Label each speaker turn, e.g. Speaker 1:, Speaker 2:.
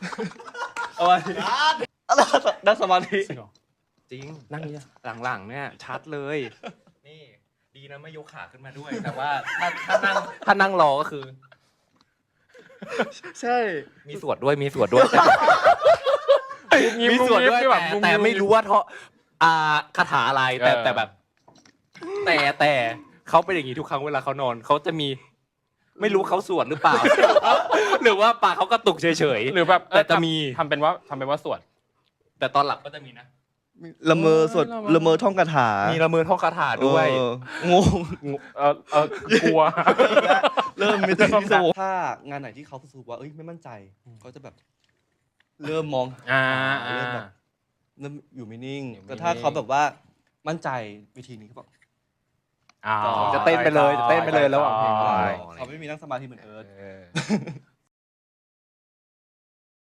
Speaker 1: เอาไว้นั่งสมาธิ
Speaker 2: จริงนั่งนี้หลังๆเนี่ยชัดเลย นี่ดีนะไม่ยกขาขึ้นมาด้วย แต่ว่าถ้านั่งรอก็คือ
Speaker 1: ใช่
Speaker 2: มีสวดด้วยมีส่วนด้วยแต่ไม่รู้ว่าคาถาอะไรแต่แบบ แต่เขาเป็นอย่างนี้ทุกครั้งเวลาเขานอนเขาจะมีไม่รู้เขาสวดหรือเปล่า หรือว่าปากเขากระตุกเฉยๆ
Speaker 3: หรือแบบ
Speaker 2: แต่จะมี
Speaker 3: ทำเป็นว่าสวด
Speaker 2: แต่ตอนหลับก็จะมีนะ
Speaker 1: ละเมอสวดละเมอท่องคาถา
Speaker 2: มีละเมอท่องคาถาด้วย
Speaker 1: งง
Speaker 3: กลัว
Speaker 1: เริ่มไม่ได้ถ้างานไหนที่เขารู้สึกว่าเอ้ยไม่มั่นใจเขาจะแบบ เริ่มมองเริ่มแบบเริ่มอยู่ไม่นิ่งแต่ถ้าเขาแบบว่ามั่นใจวิธีนี้เขาบอก
Speaker 2: จะเต้นไปเลยระหว่างเพลง
Speaker 1: เขาไม่มีนั่งสมาธิเหมือนเอิร์ธ